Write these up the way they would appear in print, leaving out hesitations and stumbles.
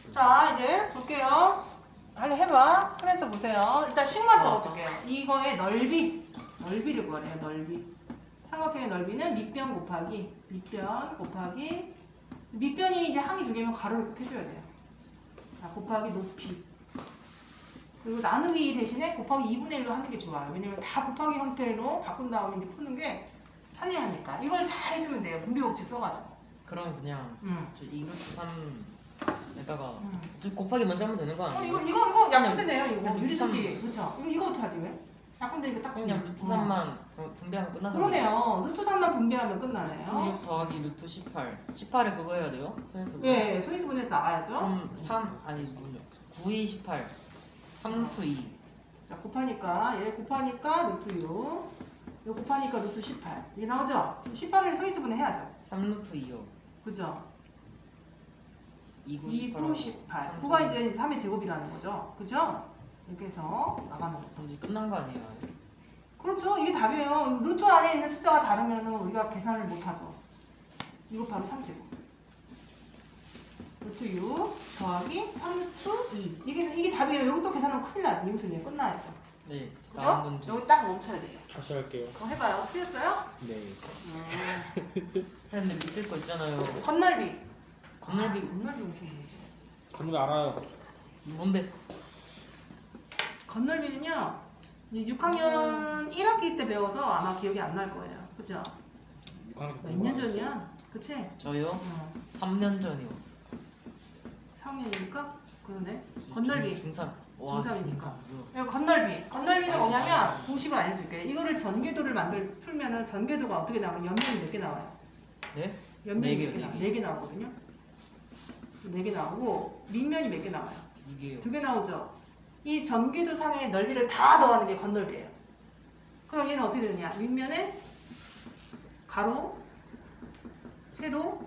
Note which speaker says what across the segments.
Speaker 1: 자, 이제 볼게요. 빨리 해봐. 그래서 보세요. 일단 식만 적어줄게요. 이거의 넓이를 구하래요. 넓이. 삼각형의 넓이는 밑변 곱하기 밑변이 이제 항이 두 개면 가로를 꼭 해줘야 돼요. 자, 곱하기 높이. 그리고 나누기 2 대신에 곱하기 2분의 1로 하는 게 좋아요. 왜냐면 다 곱하기 형태로 바꾼 다음에 이제 푸는 게 편리하니까. 이걸 잘 해주면 돼요. 분비법칙 써가지고.
Speaker 2: 그럼 그냥
Speaker 1: 응.
Speaker 2: 2루트 3에다가 곱하기 먼저 하면 되는 거 아니에요?
Speaker 1: 이거 약분되네요. 이거
Speaker 2: 그냥
Speaker 1: 유리수끼리. 그렇죠. 이거부터 하지 왜? 약분되니까 딱
Speaker 2: 그냥 루트 3만 분배하면 끝나잖아요.
Speaker 1: 그러네요. 루트 3만 분배하면 끝나네요.
Speaker 2: 16 더하기 루트 18. 18에 그거 해야 돼요? 소인수.
Speaker 1: 예, 소인수분해서 나가야죠.
Speaker 2: 그럼 3 아니 뭐냐? 9, 2, 18. 3루트 2.
Speaker 1: 자, 곱하니까 얘 곱하니까 루트 6. 이거 곱하니까 루트 18. 이게 나오죠? 18을 소인수분해 해야죠.
Speaker 2: 3루트 2요.
Speaker 1: 그죠?
Speaker 2: 2, 9,
Speaker 1: 2, 9, 18. 9가 이제 3의 제곱이라는 거죠. 그죠? 이렇게 해서 나가는 거죠.
Speaker 2: 이제 끝난 거 아니에요?
Speaker 1: 그렇죠. 이게 답이에요. 루트 안에 있는 숫자가 다르면 우리가 계산을 못하죠. 이거 바로 3제곱. 루트 6 더하기 3루트 2. 이게 답이에요. 여기 또 계산하면 큰일 나지. 여기서 그냥 끝나야죠.
Speaker 2: 네.
Speaker 1: 그죠?
Speaker 2: 다음 문제.
Speaker 1: 여기 딱 멈춰야 되죠.
Speaker 3: 다시 할게요.
Speaker 1: 그거 해봐요. 틀렸어요?
Speaker 3: 네.
Speaker 2: 근데 밑에 거 있잖아요.
Speaker 1: 건널비.
Speaker 2: 건널비
Speaker 1: 건널비 무슨 얘기지?
Speaker 3: 건널비 알아요.
Speaker 2: 뭔데?
Speaker 1: 건널비는요. 6학년 1학기 때 배워서 아마 기억이 안 날 거예요. 그죠? 몇 년 전이야? 그치?
Speaker 2: 저요? 3년 전이요.
Speaker 1: 4학년이니까? 그러네. 건널비.
Speaker 2: 중3.
Speaker 1: 중3이니까. 건널비. 건널비는 뭐냐면 공식을 알려줄게. 이거를 전개도를 풀면은 전개도가 어떻게 나와요? 연면이 몇 개 나와요?
Speaker 2: 네?
Speaker 1: 연면이
Speaker 2: 네
Speaker 1: 몇 개
Speaker 2: 개,
Speaker 1: 나와요?
Speaker 2: 네
Speaker 1: 4개 나오거든요. 4개 나오고 밑면이 몇 개 나와요?
Speaker 2: 2개요.
Speaker 1: 2개 나오죠. 이 전개도 상의 넓이를 다 더하는 게 건널비예요. 그럼 얘는 어떻게 되느냐? 윗면에 가로, 세로,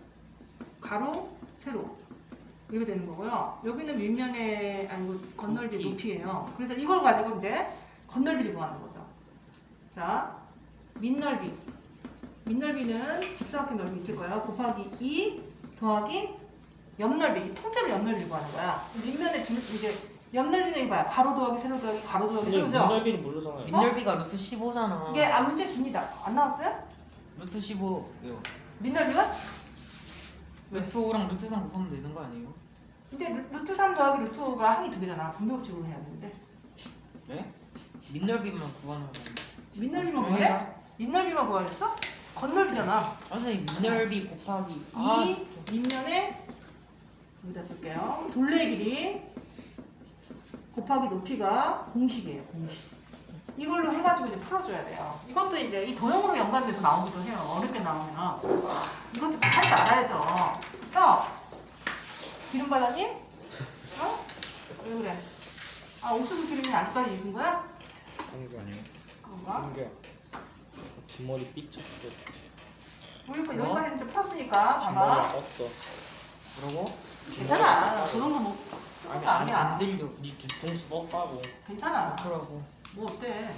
Speaker 1: 가로, 세로 이렇게 되는 거고요. 여기는 윗면에 아니고 건널비 높이예요. 그래서 이걸 가지고 이제 건널비를 구하는 거죠. 자, 밑넓이. 밑넓이는 직사각형 넓이 있을 거예요. 곱하기 2 더하기 옆넓이. 통째로 옆넓이 구하는 거야. 밑면에 이제 옆넓이는 이거 봐요. 가로 더하기 세로 더하기 가로 더하기
Speaker 3: 근데
Speaker 1: 세로죠.
Speaker 3: 건널비를 모르잖아요.
Speaker 2: 밑넓이가 루트 15잖아.
Speaker 1: 이게 문제 줍니다. 안 나왔어요?
Speaker 2: 루트 15요.
Speaker 1: 밑넓이가?
Speaker 2: 루트 5랑 루트 3 곱하면 되는 거 아니에요?
Speaker 1: 근데 루트 3 더하기 루트 5가 항이 2개잖아. 분배법칙으로 해야 되는데.
Speaker 2: 네? 밑넓이만 구하는 거.
Speaker 1: 밑넓이만 구해? 밑넓이만 구하겠어? 건넓이잖아.
Speaker 2: 선생님 밑넓이 곱하기
Speaker 1: 이 밑면에 여기다 쓸게요. 둘레 길이 곱하기 높이가 공식이에요. 공식. 이걸로 해가지고 이제 풀어줘야 돼요. 이것도 이제 이 도형으로 연관돼서 나오기도 해요. 어렵게 나오면 이것도 할 줄 알아야죠. 그쵸? 기름 발라님? 어? 왜 그래? 아, 옥수수 기름이 아직까지 있는 거야?
Speaker 3: 하는 게 아니에요.
Speaker 1: 그런가?
Speaker 3: 하는 게 뒷머리 삐쳤어.
Speaker 1: 우리 거 여기까지 이제 풀었으니까
Speaker 3: 뒷머리
Speaker 1: 봐봐.
Speaker 3: 떴어.
Speaker 2: 그러고
Speaker 1: 괜찮아. 그 정도 뭐 그런 거 아니야.
Speaker 2: 안 들려.
Speaker 3: 니 뒤통수 뻗다고.
Speaker 1: 괜찮아.
Speaker 2: 그러고
Speaker 1: 뭐 어때?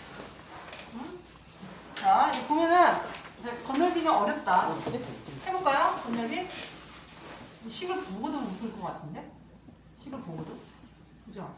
Speaker 1: 응? 자, 이제 보면은 이제 건널비는 어렵다. 해볼까요? 건널비? 식을 보고도 못 풀 것 같은데? 식을 보고도? 그죠?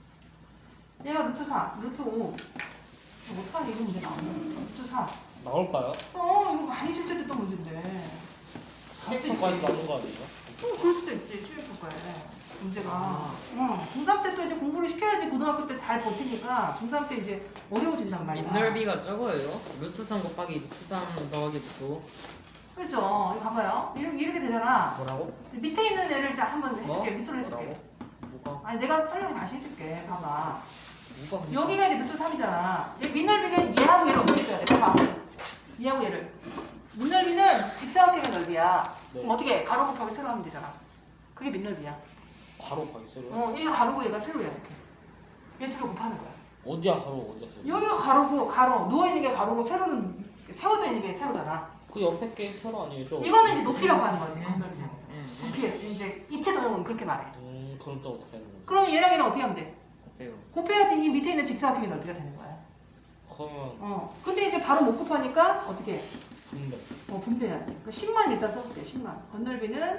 Speaker 1: 얘가 루트 4, 루트 5. 어떡하니 이거 문제 나오네. 루트 4.
Speaker 3: 나올까요?
Speaker 1: 이거 많이 실제됐던 문제인데.
Speaker 3: 시험까지 나온 거 아니에요?
Speaker 1: 그럴 수도 있지, 시험평가에. 문제가. 중3 때 또 이제 공부를 시켜야지 고등학교 때 잘 버티니까 중3 때 이제 어려워진단 말이야.
Speaker 2: 밑넓이가 적어요. 루트 3 곱하기 루트 3 더하기 루트 5.
Speaker 1: 그렇죠. 이거 봐봐요. 이렇게 되잖아.
Speaker 2: 뭐라고?
Speaker 1: 밑에 있는 애를 자 한번 해줄게.
Speaker 2: 뭐?
Speaker 1: 밑으로 해줄게.
Speaker 2: 뭐라고? 뭐가?
Speaker 1: 아니 내가 설명 다시 해줄게. 봐봐.
Speaker 2: 뭐가?
Speaker 1: 여기가 이제 루트 3이잖아. 얘 밑넓이는 얘하고 얘를 어떻게 줘야 돼? 봐봐. 얘하고 얘를. 밑넓이는 직사각형의 넓이야.
Speaker 3: 네.
Speaker 1: 그럼 어떻게 해? 가로 곱하기 세로 하면 되잖아. 그게 밑넓이야.
Speaker 3: 바로 가있어요.
Speaker 1: 얘가 가로고 얘가 세로야 이렇게. 얘 둘을 곱하는 거야.
Speaker 3: 어디야 바로 어디야 세로?
Speaker 1: 여기가 가로고 가로. 누워있는 게 가로고 세로는 세워져 있는 게 세로잖아.
Speaker 3: 그 옆에 게 세로 아니에요?
Speaker 1: 이거는 이제 높이라고 하는 거지. 건널비상에서.
Speaker 2: 응.
Speaker 1: 높이 이제 입체 도형은 그렇게 말해.
Speaker 3: 그럼 좀 어떻게 하는 거예요?
Speaker 1: 그럼 얘랑 얘는 어떻게 하면 돼?
Speaker 2: 어때요?
Speaker 1: 곱해야지 이 밑에 있는 직사각형의 넓이가 되는 거야.
Speaker 3: 그러면
Speaker 1: 근데 이제 바로 못 곱하니까 어떻게 해?
Speaker 3: 분배.
Speaker 1: 분배해야 돼. 10만 일단 써볼게. 10만. 건널비는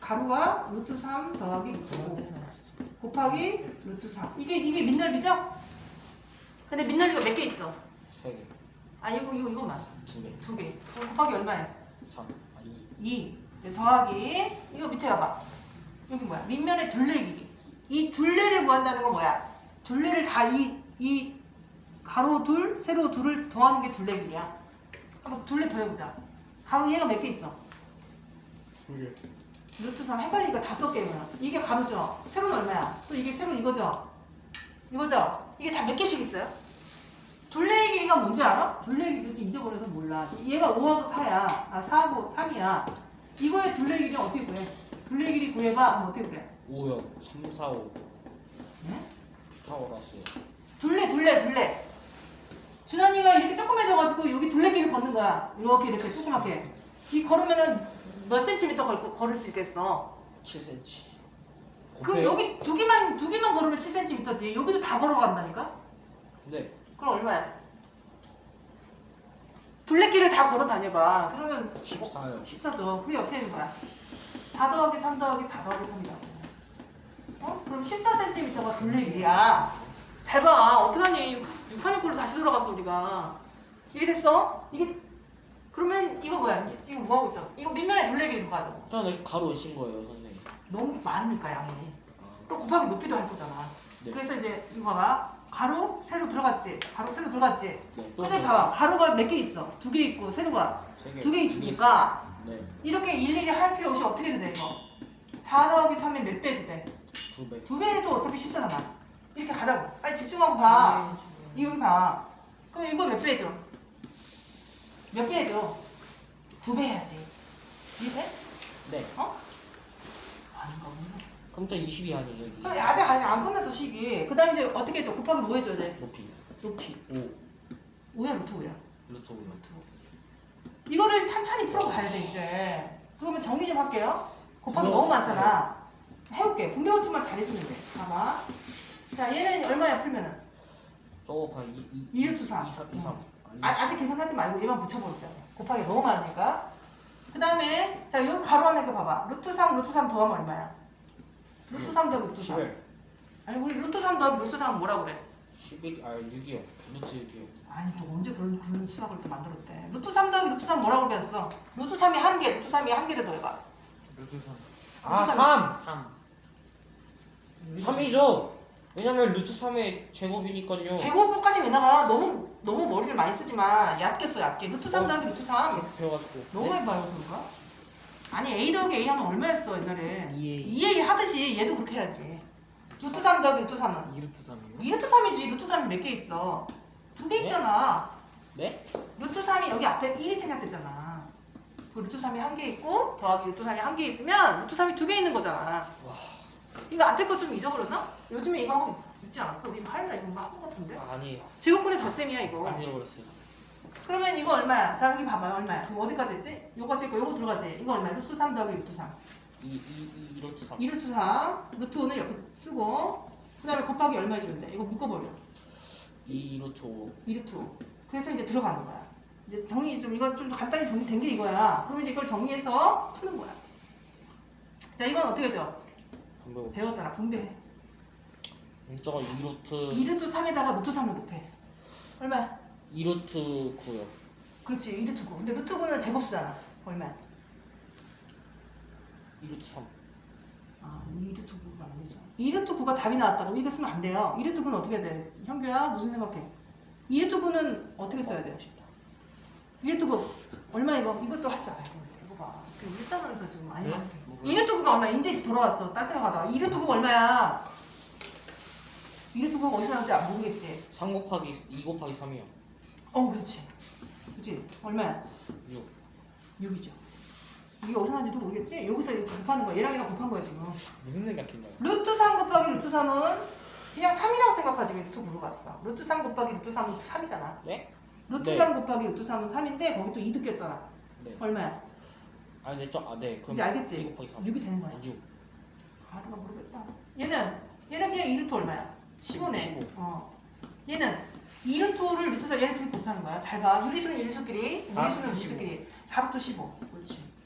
Speaker 1: 가로가 루트 3 더하기 루트 5 곱하기 루트 3. 이게 민넓이죠? 근데 민넓이가 몇 개 있어?
Speaker 3: 3개,
Speaker 1: 아 이거만
Speaker 3: 2개,
Speaker 1: 2개. 그럼 곱하기 얼마야?
Speaker 3: 3,
Speaker 1: 2. 더하기 이거 밑에 봐봐. 여기 뭐야? 밑면의 둘레 길이. 이 둘레를 구한다는 건 뭐야? 둘레를 다 이 가로 둘, 세로 둘을 더하는 게 둘레 길이야. 한번 둘레 더해보자. 가로 얘가 몇 개 있어?
Speaker 3: 2개.
Speaker 1: 루트 3 헷갈리니까 5개면 이게 가로죠? 세로는 얼마야? 또 이게 세로 이거죠? 이거죠? 이게 다 몇 개씩 있어요? 둘레의 길이가 뭔지 알아? 둘레의 길이 잊어버려서 몰라. 얘가 5하고 4야. 아 4하고 3이야. 이거의 둘레의 길이 어떻게 구해? 둘레의 길이 구해봐. 그럼 어떻게 구해?
Speaker 3: 5요. 3, 4, 5.
Speaker 1: 네?
Speaker 3: 피타고라스.
Speaker 1: 둘레. 준환이가 이렇게 조그매져가지고 여기 둘레길을 걷는 거야. 이렇게 조그맣게. 이 걸으면은 몇 센티미터 걸을 수 있겠어?
Speaker 3: 7cm.
Speaker 1: 그럼 여기 두 개만 걸으면 7cm지. 여기도 다 걸어간다니까?
Speaker 3: 네.
Speaker 1: 그럼 얼마야? 둘레길을 다 걸어 다녀봐. 그러면
Speaker 3: 14요.
Speaker 1: 14죠. 그게 어떻게 되는 거야? 4 더하기 3 더하기 4 더하기 3이라고. 어? 그럼 14cm가 둘레길이야. 잘 봐. 어떡하니? 6학년꼴로 다시 돌아갔어 우리가. 이게 됐어? 이게 그러면 이거 뭐야? 이거 뭐 하고 있어? 이거 밑면에 둘레길을 가자.
Speaker 3: 저는 가로 오신 거예요, 선생님.
Speaker 1: 너무 많으니까 양이.
Speaker 3: 아,
Speaker 1: 또 곱하기 높이도 할 거잖아.
Speaker 3: 네.
Speaker 1: 그래서 이제 이거 봐봐. 가로, 세로 들어갔지? 가로, 세로 들어갔지?
Speaker 3: 네. 또
Speaker 1: 근데 봐봐. 가로가 몇 개 있어? 2개 있고 세로가
Speaker 3: 3개.
Speaker 1: 2개 있으니까
Speaker 3: 네.
Speaker 1: 이렇게 일일이 할 필요 없이 어떻게 해도 돼 이거? 4 더하기 3에 몇 배 해도 돼?
Speaker 3: 2배.
Speaker 1: 2배 해도 어차피 쉽잖아. 이렇게 가자고. 빨리 집중하고 봐. 여기 봐. 그럼 이거 몇 배 해줘? 몇 배 해줘? 2배 해야지. 이해?
Speaker 3: 네.
Speaker 1: 어? 아닌가 보네.
Speaker 3: 그럼 저 20이 아니에요, 20.
Speaker 1: 그럼 아직 안 끝났어 식이. 그 다음에 이제 어떻게 해줘? 곱하기 뭐 해줘야 돼?
Speaker 3: 높이.
Speaker 1: 높이.
Speaker 3: 5.
Speaker 1: 5야 루트 5야.
Speaker 3: 루트 5.
Speaker 1: 루트 5. 이거를 찬찬히 풀어가야 돼 이제. 그러면 정리 좀 할게요. 곱하기 너무 많잖아. 해볼게. 분배 거침만 잘해주면 돼. 봐봐. 자 얘는 얼마야 풀면은?
Speaker 3: 저거 그냥
Speaker 1: 2 루트 3.
Speaker 3: 2, 3, 2, 3.
Speaker 1: 아직 계산하지 말고 얘만 붙여버리자. 곱하기 너무 많으니까. 그 다음에 자 여기 가로 안에 거 봐봐. 루트 3 더하면 얼마야? 루트 3 더하기 루트 3.
Speaker 3: 11.
Speaker 1: 아니 우리 루트 3 더하기 루트 3은 뭐라 그래?
Speaker 3: 11, 6이요. 루트 6이요.
Speaker 1: 아니 또 언제 그런 수학을 또 만들었대. 루트 3 더하기 루트 3 뭐라고 배웠어? 루트 3이 한 개, 루트 3이 한 개를 더해봐.
Speaker 3: 루트 3.
Speaker 1: 아,
Speaker 2: 3.
Speaker 3: 3이죠. 왜냐면 루트 3의 제곱이니까요.
Speaker 1: 제곱까지 왜 나가? 너무 머리를 많이 쓰지만 얕게 써 얕게. 루트 3 더하기 루트 3.
Speaker 3: 그렇게 배워가지고.
Speaker 1: 너무 많이 봐요 그런가? 아니 A 더하기 A 하면 얼마였어 옛날에?
Speaker 2: 2A.
Speaker 1: 2A 하듯이 얘도 그렇게 해야지. 루트 3 더하기 루트 3은?
Speaker 2: 2루트 3이요?
Speaker 1: 2루트 3이지. 루트 3이 몇 개 있어? 2개
Speaker 3: 네?
Speaker 1: 있잖아.
Speaker 3: 네?
Speaker 1: 루트 3이 여기 앞에 1이 생략됐잖아. 그 루트 3이 한 개 있고 더하기 루트 3이 한 개 있으면 루트 3이 2개 있는 거잖아. 이거 앞에 거 좀 잊어버렸나? 요즘에 이거 하고 있지 않았어? 우리 화요일날 이거 한거 같은데?
Speaker 3: 아니에요.
Speaker 1: 제곱분의 덧셈이야 이거.
Speaker 3: 안 잃어버렸어요.
Speaker 1: 그러면 이거 얼마야? 자 여기 봐봐요 얼마야? 그럼 어디까지 했지? 요거 찍고 요거 들어가지? 이거 얼마야? 루트 3 더하기 루트 3.
Speaker 3: 2 루트 3.
Speaker 1: 2루트 3. 루트 5는 옆에 쓰고 그 다음에 곱하기 얼마 해주면 돼? 이거 묶어버려.
Speaker 3: 2 루트 5.
Speaker 1: 2루트 5. 그래서 이제 들어가는 거야. 이제 정리 좀 이건 좀 간단히 정리된 게 이거야. 그러면 이제 이걸 정리해서 푸는 거야. 자 이건 어떻게 해줘? 배웠잖아. 분배해.
Speaker 3: 저거 2 루트
Speaker 1: 2루트 3에다가 루트 3을 곱해. 얼마야?
Speaker 3: 2 루트 9요.
Speaker 1: 그렇지. 2루트 9. 근데 루트 9는 제곱수잖아. 얼마야?
Speaker 3: 2 루트 3.
Speaker 1: 아 2루트 9가 안 되죠. 2루트 9가 답이 나왔다고 이거 쓰면 안 돼요. 2루트 9는 어떻게 해야 돼? 현규야 무슨 생각해? 2루트 9는 어떻게 써야 돼? 2루트 9 얼마 이거? 이것도 할 줄 알아야 돼. 이거 봐. 그 일단원에서 지금 많이
Speaker 3: 네?
Speaker 1: 나왔대.
Speaker 3: 뭐
Speaker 1: 2루트 9가 얼마야? 이제 돌아왔어. 딴 생각하다가 2루트 9가 얼마야? 2루트 9가 어디서 나올지 모르겠지.
Speaker 3: 3 곱하기 2 곱하기 3이요.
Speaker 1: 그렇지. 그렇지. 얼마야?
Speaker 3: 6.
Speaker 1: 6이죠. 이게 어디서 나온지도 모르겠지? 여기서 이렇게 곱하는 거야. 얘랑 얘랑 곱한 거야 지금.
Speaker 3: 무슨 생각했나요?
Speaker 1: 루트 3 곱하기 루트 3은 그냥 3이라고 생각하지 왜 루트 물어봤어. 루트 3 곱하기 루트 3은 3이잖아.
Speaker 3: 네?
Speaker 1: 루트
Speaker 3: 네.
Speaker 1: 3 곱하기 루트 3은 3인데 거기 또 2 느꼈잖아.
Speaker 3: 네.
Speaker 1: 얼마야?
Speaker 3: 아니 네, 네. 그럼
Speaker 1: 이제 알겠지?
Speaker 3: 2 곱하기 3.
Speaker 1: 6이 되는 거야.
Speaker 3: 6.
Speaker 1: 아, 내가 모르겠다. 얘는 그냥 2루트 얼마야? 15네.
Speaker 3: 15.
Speaker 1: 얘는 2루트를 루트 3 얘네 둘이 곱하는 거야. 잘 봐. 유리수는 유리수끼리,
Speaker 3: 아,
Speaker 1: 무리수는
Speaker 3: 15.
Speaker 1: 무리수끼리. 4루트 15. 그렇지.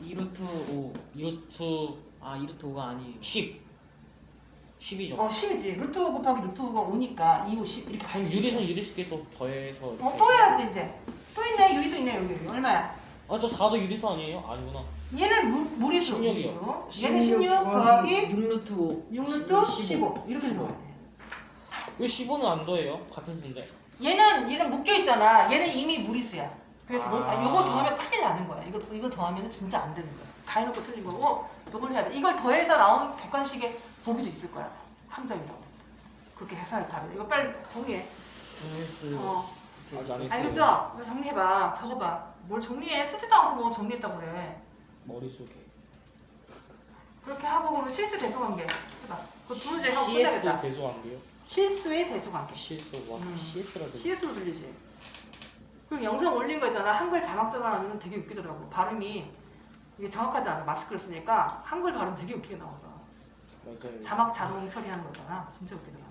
Speaker 2: 2루트 5.
Speaker 3: 2루트
Speaker 2: 아 2루트 5가 아니에요.
Speaker 3: 10이죠.
Speaker 1: 10이지. 루트 5 곱하기 루트 5가 5니까 2, 5, 10 이렇게
Speaker 3: 아니
Speaker 1: 가야지.
Speaker 3: 유리선 유리수께서 더해서 이렇게.
Speaker 1: 또 해야지 이제. 또 있네. 유리수 있네 여기. 얼마야?
Speaker 3: 저 4도 유리수 아니에요? 아니구나.
Speaker 1: 얘는 무리수.
Speaker 3: 16이요.
Speaker 1: 무리수. 얘는 16 더하기
Speaker 2: 6루트 5.
Speaker 1: 6루트 15. 이렇게 들어가야 돼.
Speaker 3: 왜 15는 안 더해요? 같은 수인데.
Speaker 1: 얘는 묶여 있잖아. 얘는 이미 무리수야. 그래서
Speaker 3: 아.
Speaker 1: 요거 더하면 큰일 나는 거야. 이거 더하면 진짜 안 되는 거야. 다 해놓고 틀린 거고 요걸 해야 돼. 이걸 더해서 나온 객관식의 보기도 있을 거야. 함정이라고. 그렇게 해석이 다르다. 이거 빨리 정리해.
Speaker 2: S.
Speaker 3: 아직 안 했어요.
Speaker 1: 알겠죠? 이거 정리해봐. 적어봐. 뭘 정리해? 쓰지도 않고 뭐 정리했다고 그래.
Speaker 3: 머릿속에.
Speaker 1: 그렇게 하고 그러면 실수 대소관계 해봐. 그 두 문제 하고
Speaker 3: CS
Speaker 1: 끝내겠다.
Speaker 3: 대소한대요?
Speaker 1: 실수의 대소관계.
Speaker 3: CS 와
Speaker 1: 음.
Speaker 3: CS라 들.
Speaker 1: CS로 들리지. 그리고 영상 올린 거 있잖아. 한글 자막 전환하면 되게 웃기더라고. 발음이 이게 정확하지 않아. 마스크를 쓰니까 한글 발음 되게 웃기게 나오더라.
Speaker 3: 맞아요.
Speaker 1: 자막 자동 처리하는 거잖아. 진짜 웃기더라.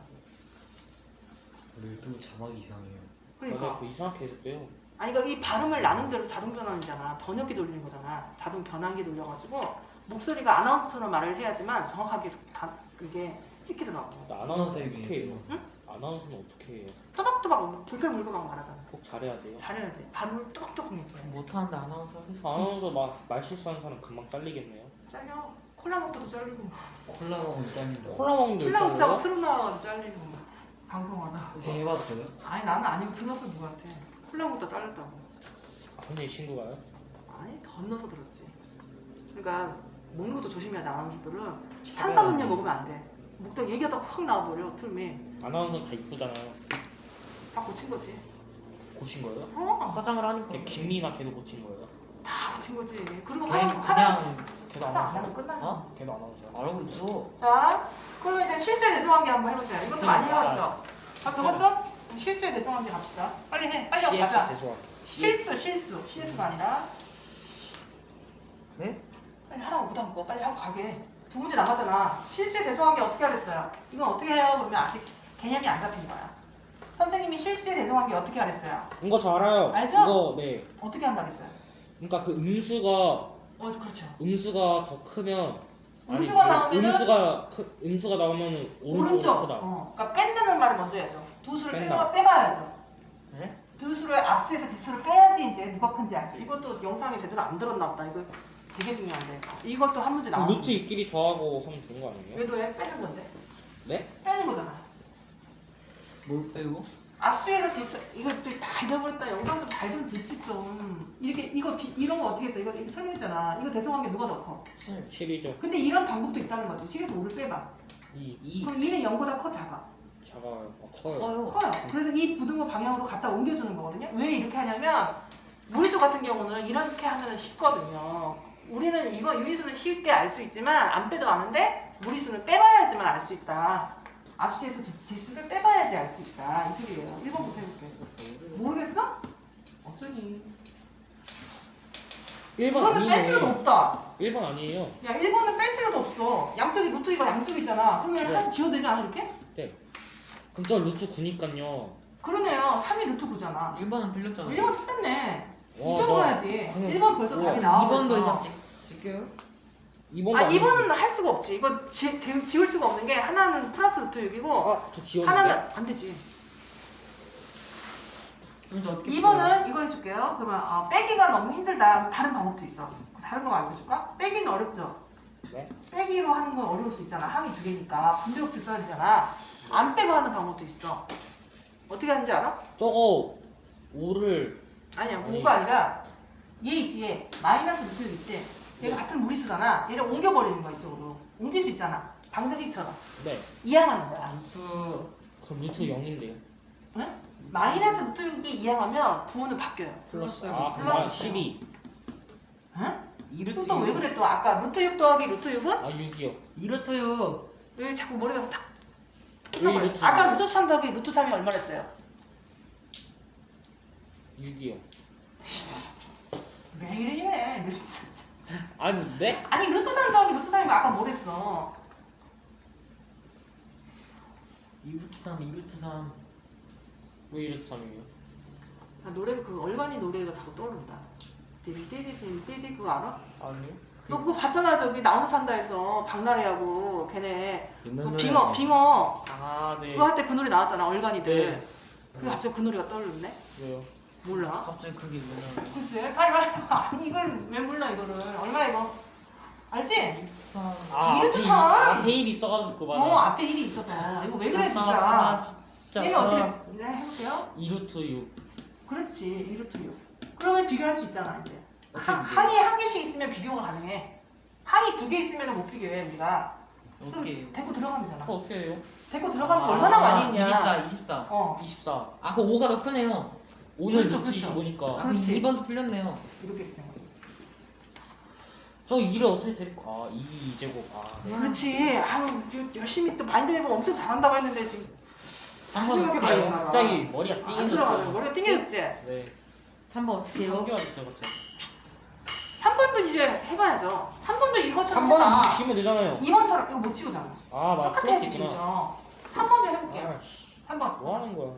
Speaker 2: 그래도 자막이 이상해요.
Speaker 3: 맞아요.
Speaker 1: 그러니까.
Speaker 3: 그 이상하게 해석돼요.
Speaker 1: 아니 그러니까 이 발음을 나는 대로 자동 변환이잖아. 번역기 돌리는 거잖아. 자동 변환기 돌려가지고 목소리가 아나운서처럼 말을 해야지만 정확하게 이게 찍히더라고.
Speaker 3: 근데 아나운서는
Speaker 2: 네,
Speaker 3: 어떻게 해요?
Speaker 1: 응?
Speaker 3: 아나운서는 어떻게 해요?
Speaker 1: 또박또박 불편물고 막 말하잖아.
Speaker 3: 꼭 잘해야 돼요.
Speaker 1: 잘해야지. 발음을 또박또박 얘기해.
Speaker 2: 못하는데 아나운서 하겠어.
Speaker 3: 아나운서 말 실수하는 사람 금방 잘리겠네요.
Speaker 1: 잘려. 콜라 먹고도 잘리고.
Speaker 2: 콜라가 못 잘린다.
Speaker 3: 콜라 먹는데
Speaker 1: 콜라 먹다가
Speaker 3: 있잖아요.
Speaker 1: 트름 나와가지고 잘리고. 방송하다.
Speaker 2: 이제 해봐도 돼요?
Speaker 1: 아니 나는 아니고 들었어 누구한테. 콜라 먹다 잘렸다고.
Speaker 3: 선생님 친구가요?
Speaker 1: 아니 건너서 들었지. 그러니까 먹는 것도 조심해야 돼 아나운서들은. 탄산음료 먹으면 안 돼. 먹다가 얘기하다가 확 나와버려 트름이.
Speaker 3: 아나운서 다 이쁘잖아요.
Speaker 1: 다 고친 거지.
Speaker 3: 고친 거예요?
Speaker 2: 화장을 하니까.
Speaker 3: 김미나 걔도 고친 거예요?
Speaker 1: 다 고친 거지. 그리고
Speaker 2: 그냥
Speaker 3: 걔도
Speaker 1: 화장 안
Speaker 3: 아나운서?
Speaker 1: 하고 끝났어.
Speaker 2: 어?
Speaker 3: 걔도 아나운서요?
Speaker 2: 알고 있어.
Speaker 1: 자, 그러면 이제 실수에 대성관계 한번 해보세요. 이것도 많이 해봤죠? 아, 적었죠? 실수에 대성관계 갑시다. 빨리 해. 빨리 하고
Speaker 3: CS
Speaker 1: 가자.
Speaker 3: 대소한.
Speaker 1: 실수. CS가 아니라.
Speaker 2: 네?
Speaker 1: 빨리 하라고 부담 거 빨리 하고 가게. 두 문제 남았잖아. 실수에 대성관계 어떻게 하랬어요? 이건 어떻게 해요? 그러면 아직 개념이 안 잡힌 거야. 선생님이 실수에 대성관계 어떻게 하랬어요?
Speaker 3: 이거 저 알아요.
Speaker 1: 알죠?
Speaker 3: 이거 네.
Speaker 1: 어떻게 한다 그랬어요?
Speaker 3: 그러니까 그 음수가
Speaker 1: 그렇죠.
Speaker 3: 더 크면
Speaker 1: 음수가 나오면은
Speaker 3: 음수가 나오면 오른쪽으로 크다.
Speaker 1: 그러니까 뺀다는 말을 먼저 해야죠. 두 수를
Speaker 3: 뺀다.
Speaker 1: 빼봐야죠.
Speaker 2: 네?
Speaker 1: 두 수를 앞수에서 뒷수를 빼야지 이제 누가 큰지 알죠. 이것도 영상에 제대로 안 들었나 보다. 이거 되게 중요한데. 이것도 한 문제 나와.
Speaker 3: 루트 이끼리 더하고 하면 되는 거 아니에요?
Speaker 1: 왜 더해? 빼는 건데.
Speaker 3: 네?
Speaker 1: 빼는 거잖아.
Speaker 2: 뭘 빼고?
Speaker 1: 앞수에서 뒷수 이거 다 잊어버렸다. 영상 좀 잘 좀 듣지 좀. 이렇게 이런 거 어떻게 했어? 이거 설명했잖아. 이거 대성관계 누가 더 커?
Speaker 2: 7.
Speaker 3: 7이죠.
Speaker 1: 근데 이런 방법도 있다는 거지. 7에서 5를 빼봐.
Speaker 3: 2
Speaker 1: 그럼 2는 0보다 커 작아?
Speaker 3: 작아요. 커요.
Speaker 1: 커요. 그래서 이 부등호 방향으로 갖다 옮겨주는 거거든요. 왜 이렇게 하냐면 무리수 같은 경우는 이렇게 하면 쉽거든요. 우리는 이거 유리수는 쉽게 알 수 있지만 안 빼도 아는데 무리수는 빼봐야지만 알 수 있다. 앞수에서 뒷수를 빼봐야지 알 수 있다. 이 소리예요. 1번부터 해볼게. 모르겠어? 어쩌니.
Speaker 3: 1번
Speaker 1: 이거는 뺄 필요도
Speaker 3: 아니네.
Speaker 1: 없다.
Speaker 3: 1번 아니에요.
Speaker 1: 야 1번은 뺄 필요도 없어. 양쪽이 루트 이거 양쪽이 있잖아. 그러면
Speaker 3: 네.
Speaker 1: 하나씩 지워도 되지 않아 이렇게?
Speaker 3: 그럼 저 루트 9니까요.
Speaker 1: 그러네요. 3이 루트 9잖아.
Speaker 2: 1번은 틀렸잖아.
Speaker 1: 1번 틀렸네.
Speaker 3: 와,
Speaker 1: 2점
Speaker 3: 너-
Speaker 1: 줘야지.
Speaker 3: 방금-
Speaker 1: 1번 벌써
Speaker 3: 우와,
Speaker 1: 답이
Speaker 2: 2번도
Speaker 1: 나와버렸죠.
Speaker 2: 일단 찍게요.
Speaker 3: 2번도
Speaker 1: 아 2번은 할 수가 없지. 이거 지울 수가 없는 게 하나는 플러스 루트 6이고
Speaker 3: 저 지웠는데?
Speaker 1: 하나는 안 되지.
Speaker 2: 그럼 어떻게
Speaker 1: 2번은 이거 해줄게요. 그러면 빼기가 너무 힘들다. 다른 방법도 있어. 다른 거 알려줄까? 빼기는 어렵죠?
Speaker 3: 네.
Speaker 1: 빼기로 하는 건 어려울 수 있잖아. 항이 두 개니까. 분배법칙 써야 되잖아. 안 빼고 하는 방법도 있어. 어떻게 하는지 알아?
Speaker 3: 저거 5를
Speaker 1: 아니야.
Speaker 3: 아니.
Speaker 1: 5가 아니라 얘 있지. 얘. 마이너스 루트 6 있지. 얘가
Speaker 3: 네.
Speaker 1: 같은 무리수잖아. 얘를 옮겨버리는 거야 이쪽으로. 옮길 수 있잖아. 방석이처럼.
Speaker 3: 네.
Speaker 1: 이항하는 거야.
Speaker 2: 루트
Speaker 3: 그럼 루트 0인데요.
Speaker 1: 응? 마이너스 루트 6이 이항하면 부호는 바뀌어요.
Speaker 3: 플러스
Speaker 2: 플러스
Speaker 3: 그럼
Speaker 1: 플러스
Speaker 3: 12.
Speaker 1: 응?
Speaker 2: 2루트
Speaker 1: 또 왜 그래 또 아까 루트 6 더하기 루트 6은?
Speaker 3: 6이요.
Speaker 2: 2루트 6.
Speaker 1: 왜 자꾸 머리가 탁
Speaker 3: 왜
Speaker 1: 끝나버려.
Speaker 3: 루트
Speaker 1: 아까
Speaker 3: 6이요?
Speaker 1: 루트 3 더하기 루트 3이 얼마랬어요?
Speaker 3: 6이요.
Speaker 1: 왜 이래?
Speaker 3: 아니 네?
Speaker 1: 아니 루트 3 더하기 루트 3이면 아까 뭐랬어?
Speaker 2: 2루트 3, 2루트 3.
Speaker 3: 왜 루트 3이에요?
Speaker 1: 아, 노래가 그 얼간이 노래가 자꾸 떠오른다. 띠디띠디띠디 그거 알아?
Speaker 3: 아니요.
Speaker 1: 너 그거 봤잖아 저기 나 혼자 산다에서 박나래하고 걔네
Speaker 2: 옛날
Speaker 1: 그
Speaker 2: 노래네.
Speaker 1: 빙어
Speaker 3: 아 네.
Speaker 1: 그거 할 때 그 노래 나왔잖아 얼간이들.
Speaker 3: 네.
Speaker 1: 그게 갑자기 그 노래가 떠오르네?
Speaker 3: 왜요?
Speaker 1: 몰라.
Speaker 2: 갑자기 그게 뭐냐.
Speaker 1: 글쎄 빨리 아니 이걸 왜 몰라 이거를 얼마 이거 알지?
Speaker 3: 아
Speaker 1: 이름도
Speaker 3: 앞에-
Speaker 1: 참.
Speaker 3: 앞에 입이 써가지고
Speaker 1: 어
Speaker 3: 맞아.
Speaker 1: 앞에 일이 있어서 이거 왜 그래 진짜.
Speaker 2: 진짜.
Speaker 1: 얘는 어떻게 네, 해볼게요.
Speaker 3: 2루트 6.
Speaker 1: 그렇지 이루트 6. 그러면 비교할 수 있잖아 이제.
Speaker 3: 어떻게 비교해?
Speaker 1: 항이 한 개씩 있으면 비교가 가능해. 항이 두 개 있으면 못 비교해 우리가.
Speaker 2: 어떻게 해요?
Speaker 1: 데리고 들어가면 되잖아.
Speaker 3: 그거 어떻게 해요?
Speaker 1: 데리고 들어가면 얼마나 많이 있냐.
Speaker 2: 24, 24.
Speaker 1: 어
Speaker 3: 24.
Speaker 2: 아, 그 5가 더 크네요.
Speaker 3: 오늘
Speaker 1: 그렇죠,
Speaker 3: 루트
Speaker 1: 그렇죠.
Speaker 3: 25니까.
Speaker 2: 아,
Speaker 1: 그렇지.
Speaker 2: 2번도 틀렸네요.
Speaker 1: 이렇게 된 거지.
Speaker 3: 저 2를 어떻게 데리고? 아 2 제곱. 아 네.
Speaker 1: 그렇지. 아유 열심히 또 마인드 맵을 엄청 잘한다고 했는데 지금
Speaker 2: 한번
Speaker 1: 이렇게
Speaker 2: 어떻게
Speaker 1: 많이
Speaker 2: 해요?
Speaker 1: 잖아.
Speaker 3: 갑자기 머리가
Speaker 1: 안 들어가요.
Speaker 3: 띵해졌어요.
Speaker 1: 머리가 띵해졌지.
Speaker 3: 네.
Speaker 2: 3번 어떻게 해요?
Speaker 3: 성기가 됐어요 갑자기.
Speaker 1: 3번도 이제 해봐야죠. 3번도 이것처럼
Speaker 3: 3번은
Speaker 1: 해봐.
Speaker 3: 이렇게 지면 되잖아요.
Speaker 1: 2번처럼 이거 못 치우잖아.
Speaker 3: 아 맞아.
Speaker 1: 똑같아
Speaker 3: 플러스
Speaker 1: 지금.
Speaker 3: 있구나.
Speaker 1: 3번도 해볼게요.
Speaker 3: 아, 씨.
Speaker 1: 3번.
Speaker 3: 뭐 하는 거야?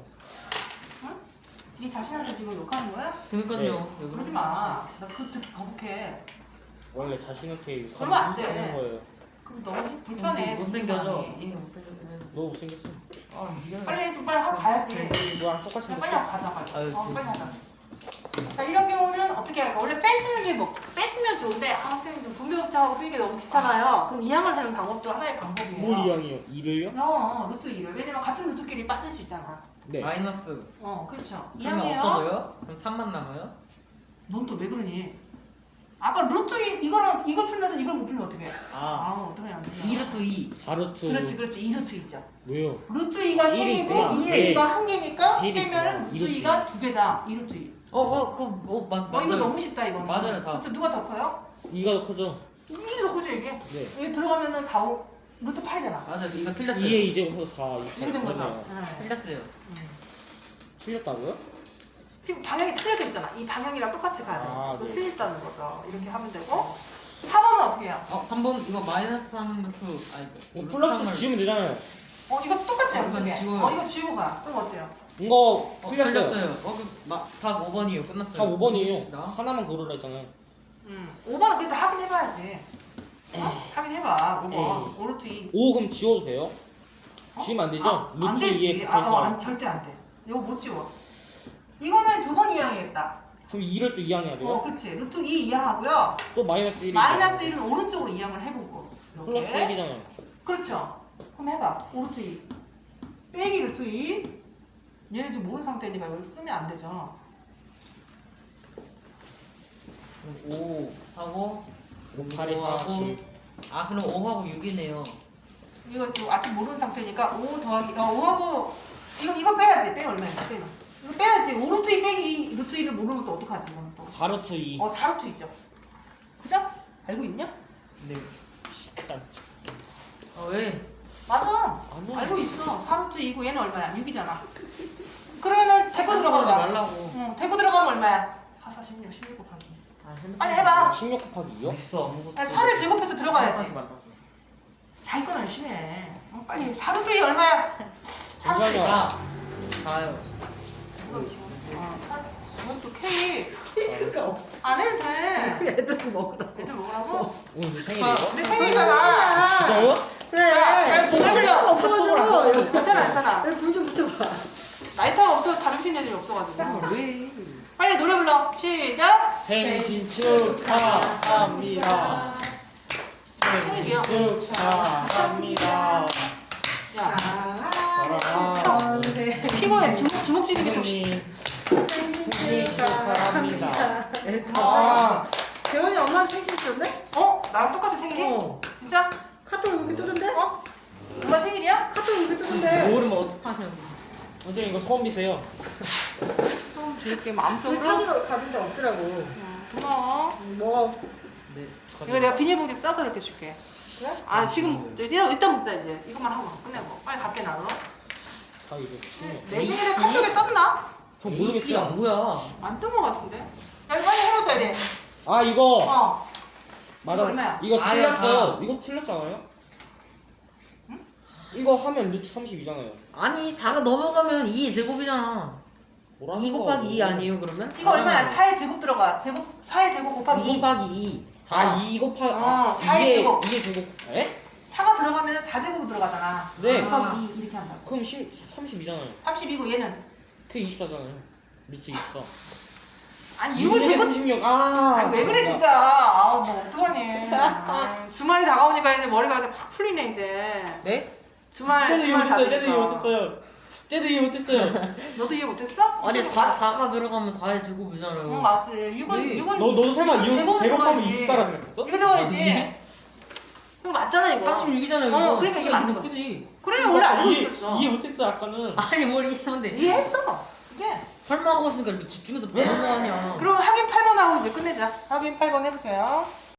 Speaker 1: 네 자신한테 지금 욕하는 거야?
Speaker 2: 그러니까요.
Speaker 3: 네.
Speaker 2: 왜
Speaker 1: 그러지
Speaker 2: 그러지
Speaker 1: 마. 나 그거 듣기 거북해.
Speaker 3: 원래 자신한테
Speaker 1: 그러면 안 돼.
Speaker 3: 하는 거예요.
Speaker 1: 그럼 너무 불편해.
Speaker 2: 못생겨져. 이미 못생겼긴 해서.
Speaker 3: 너 못생겼어.
Speaker 2: 아, 미안해.
Speaker 1: 빨리 좀 빨리 하고 가야지.
Speaker 3: 너랑 똑같이
Speaker 1: 그냥 빨리
Speaker 3: 생겼어.
Speaker 1: 하고 가자 빨리.
Speaker 2: 아유,
Speaker 1: 빨리 하자. 자 이런 경우는 어떻게 할까? 원래 빼주는 게 뭐 빼주면 좋은데 선생님 좀 분배업체하고 쓰기가 너무 귀찮아요. 그럼 이항을 하는 방법도 하나의 방법이에요.
Speaker 3: 뭘 이양이요? 2를요?
Speaker 1: 루트 2를 왜냐면 같은 루트끼리 빠질 수 있잖아.
Speaker 3: 네.
Speaker 2: 마이너스.
Speaker 1: 그렇죠.
Speaker 2: 그러면
Speaker 1: 이항이에요.
Speaker 2: 없어져요? 그럼 3만 남아요?
Speaker 1: 넌 또 왜 그러니? 아까 루트 2 이거랑 이걸 풀면서 이걸 못 풀면 어떻게 해?
Speaker 2: 아,
Speaker 1: 어떡해 안 돼.
Speaker 2: 2루트 2.
Speaker 3: 4루트.
Speaker 1: 그렇지 2루트 2죠.
Speaker 3: 왜요?
Speaker 1: 루트 2가
Speaker 3: 일이
Speaker 1: 3개고
Speaker 3: 있구나.
Speaker 1: 루트
Speaker 3: 네.
Speaker 1: 2가 1개니까
Speaker 3: 일이
Speaker 1: 빼면
Speaker 3: 있구나.
Speaker 1: 루트
Speaker 3: 이루트
Speaker 1: 2가 2개다. 2루트 2.
Speaker 2: 맞아요.
Speaker 1: 이거 너무 쉽다 이거는.
Speaker 2: 맞아요, 다.
Speaker 1: 루트 누가 더 커요?
Speaker 3: 2가 더 크죠?
Speaker 1: 이게 더 크죠 이게?
Speaker 3: 네.
Speaker 1: 여기 들어가면은 4, 5 루트 8이잖아.
Speaker 2: 맞아요. 이거 틀렸어요.
Speaker 3: 2에 2제곱 해서 4.
Speaker 1: 이렇게 된 거죠. 네.
Speaker 2: 틀렸어요.
Speaker 3: 틀렸다고요?
Speaker 1: 지금 방향이 틀려져 있잖아. 이 방향이랑 똑같이 가야 돼.
Speaker 3: 아,
Speaker 1: 또
Speaker 3: 네.
Speaker 1: 틀렸다는 거죠. 이렇게 하면 되고 4번은 어떻게 해요?
Speaker 2: 3번 이거 마이너스 3루트. 아니,
Speaker 3: 뭐 플러스 지우면 되잖아요.
Speaker 1: 이거 똑같죠
Speaker 2: 이건
Speaker 1: 양쪽에.
Speaker 2: 지워요.
Speaker 1: 이거 지우고 가. 그럼 어때요?
Speaker 3: 이거 틀렸어요.
Speaker 2: 답 5번이에요. 끝났어요.
Speaker 3: 다 5번이에요.
Speaker 2: 나?
Speaker 3: 하나만 고르라 했잖아요.
Speaker 1: 5번은 그래도 확인해봐야지. 확인해봐. 5번.
Speaker 2: 에이.
Speaker 1: 오르트 2.
Speaker 3: 5 그럼 지워도 돼요? 지우면 안 되죠?
Speaker 1: 안
Speaker 3: 루트
Speaker 1: 되지.
Speaker 3: 2에 붙어있어.
Speaker 1: 절대 안 돼. 이거 못 지워. 이거는 두 번 이항이겠다.
Speaker 3: 그럼 2를 또 이항해야 돼요?
Speaker 1: 그렇지. 루트 2 이항하고요.
Speaker 3: 또 마이너스 1이
Speaker 1: 마이너스 1은 오른쪽으로 이항을 해보고. 이렇게.
Speaker 3: 플러스 1이잖아요.
Speaker 1: 그렇죠. 그럼 해봐. 오르트 2. 빼기 루트 2. 얘는 지금 모르는 상태니까 이걸 쓰면 안 되죠.
Speaker 2: 5 하고
Speaker 3: 5, 8에 4, 10.
Speaker 2: 아, 그럼 5하고 6이네요.
Speaker 1: 이거 지금 아직 모르는 상태니까 5 더하기 5하고 이거 빼야지. 빼 얼마야? 빼. 이거 빼야지. 오르트 2 빼기 루트 2를 모르면 또 어떡하지? 이거는 또.
Speaker 3: 4루트 2.
Speaker 1: 4루트 2죠. 그죠? 알고 있냐?
Speaker 2: 네.
Speaker 3: 일단
Speaker 2: 왜?
Speaker 1: 맞아.
Speaker 3: 아니야.
Speaker 1: 알고 있어. 4루트 2고 얘는 얼마야? 6이잖아. 그러면은 데리고 들어가봐.
Speaker 2: 말라고.
Speaker 1: 응, 데리고 들어가면 얼마야? 4, 4, 16, 16 곱하기. 빨리
Speaker 2: 아,
Speaker 1: 해봐.
Speaker 3: 16 곱하기 2요?
Speaker 2: 있어 아무것도.
Speaker 1: 4를 제곱해서 들어가야지.
Speaker 2: 말라고.
Speaker 1: 자기 건 열심히 해. 빨리. 4루트 2 얼마야? 4루트 2.
Speaker 3: 잠시만요.
Speaker 2: 아, 가요.
Speaker 1: 이건 또 K.
Speaker 4: 그가 없어.
Speaker 1: 안 해도 돼.
Speaker 4: 애들 먹으라고.
Speaker 1: 애들 먹으라고?
Speaker 3: 오늘 내 생일이에요?
Speaker 1: 내 생일이잖아.
Speaker 3: 진짜요?
Speaker 4: 그래.
Speaker 1: 잘 보내려고.
Speaker 4: 없어가지고.
Speaker 1: 괜찮아, 괜찮아.
Speaker 4: 여기 불좀 붙여봐.
Speaker 1: 라이터가 없어서 다른 핀 애들이 없어가지고.
Speaker 2: 왜?
Speaker 1: 빨리 노래 불러. 시작.
Speaker 3: 생신 축하합니다.
Speaker 1: 생일이요.
Speaker 3: 생신 축하합니다.
Speaker 1: 야,
Speaker 3: 사랑하는
Speaker 1: 피곤해. 주먹 쥐는 게더
Speaker 3: 생신 축하합니다.
Speaker 4: 아, 재원이 엄마 생신 있었네?
Speaker 1: 나랑 똑같은 생일이? 진짜?
Speaker 4: 카톡 여기 뜨던데?
Speaker 1: 엄마 생일이야?
Speaker 4: 카톡 여기 뜨던데?
Speaker 2: 모르면 어떡하냐고.
Speaker 3: 선생님 이거 처음 비세요.
Speaker 1: 좀 이렇게
Speaker 4: 우리
Speaker 1: 마음속으로.
Speaker 4: 찾으러 가는데 없더라고.
Speaker 1: 고마워.
Speaker 4: 뭐,
Speaker 2: 네.
Speaker 1: 이거 내가 비닐봉지 싸서 이렇게 줄게.
Speaker 4: 그래?
Speaker 1: 지금 일단 먹자 이제. 이것만 하고 끝내고. 빨리 갈게 나로.
Speaker 3: 아 이거 중요해.
Speaker 1: 내 생일에 카톡에 떴나?
Speaker 3: 저
Speaker 2: A씨가
Speaker 3: 모르겠어요.
Speaker 2: 뭐야?
Speaker 1: 안 뜬 거 같은데? 야 이거 빨리 해보자 이래.
Speaker 3: 아 이거
Speaker 1: 이거 얼마야?
Speaker 3: 이거
Speaker 2: 아야,
Speaker 3: 틀렸어요. 이거 틀렸잖아요. 이거 하면 루트 32잖아요.
Speaker 2: 아니 4가 넘어가면 2의 제곱이잖아.
Speaker 3: 뭐라는
Speaker 2: 2 곱하기 2 아니에요 그러면?
Speaker 1: 이거 얼마야?
Speaker 2: 4잖아요.
Speaker 1: 4의 제곱 들어가. 4의 제곱 곱하기
Speaker 2: 2
Speaker 1: 2.
Speaker 2: 곱하기 2
Speaker 3: 아, 2 곱하기
Speaker 1: 어, 4의
Speaker 3: 이게
Speaker 1: 제곱.
Speaker 3: 이게 제곱. 에?
Speaker 1: 4가 들어가면 4제곱 들어가잖아.
Speaker 3: 네.
Speaker 1: 곱하기 2 이렇게 한다고.
Speaker 3: 그럼 32잖아요.
Speaker 1: 32고 얘는
Speaker 3: 그게 24잖아요. 루트 24.
Speaker 1: 아니 이걸
Speaker 3: 이게
Speaker 1: 계속
Speaker 3: 36. 아.
Speaker 1: 아니, 왜 그래 진짜. 아우 뭐 어떡하니. 주말이 다가오니까 이제 머리가 확 풀리네 이제.
Speaker 2: 네?
Speaker 1: 주말
Speaker 3: 쟤도 이해
Speaker 1: 주말
Speaker 3: 못했어요. 쟤도 이해
Speaker 1: 다가오니까.
Speaker 3: 못했어요. 쟤도 이해 못했어요.
Speaker 1: 너도 이해 못했어?
Speaker 2: 아니 4가 들어가면 4의 제곱이잖아요.
Speaker 1: 응 맞지. 6은
Speaker 2: 네.
Speaker 1: 6은
Speaker 3: 너도 설마
Speaker 1: 이거
Speaker 3: 이거
Speaker 1: 제곱은
Speaker 3: 제곱하면
Speaker 1: 들어가야지.
Speaker 3: 24라 생각했어?
Speaker 1: 이거 들어가야지.
Speaker 2: 아니.
Speaker 1: 이거 맞잖아 이거.
Speaker 2: 36이잖아요 이거.
Speaker 1: 어, 그러니까 이게 맞는
Speaker 2: 이거
Speaker 1: 거지.
Speaker 2: 크지.
Speaker 1: 그래 원래 알고
Speaker 3: 이해-
Speaker 1: 있었어.
Speaker 3: 이해 못했어 아까는.
Speaker 2: 아니 뭘 이해한데.
Speaker 1: 이해했어. 이제.
Speaker 2: 설마 하고 있으니까 이렇게 집중해서 보는 거 아니야.
Speaker 1: 그럼 확인 8번 하고 이제 끝내자. 확인 8번 해보세요.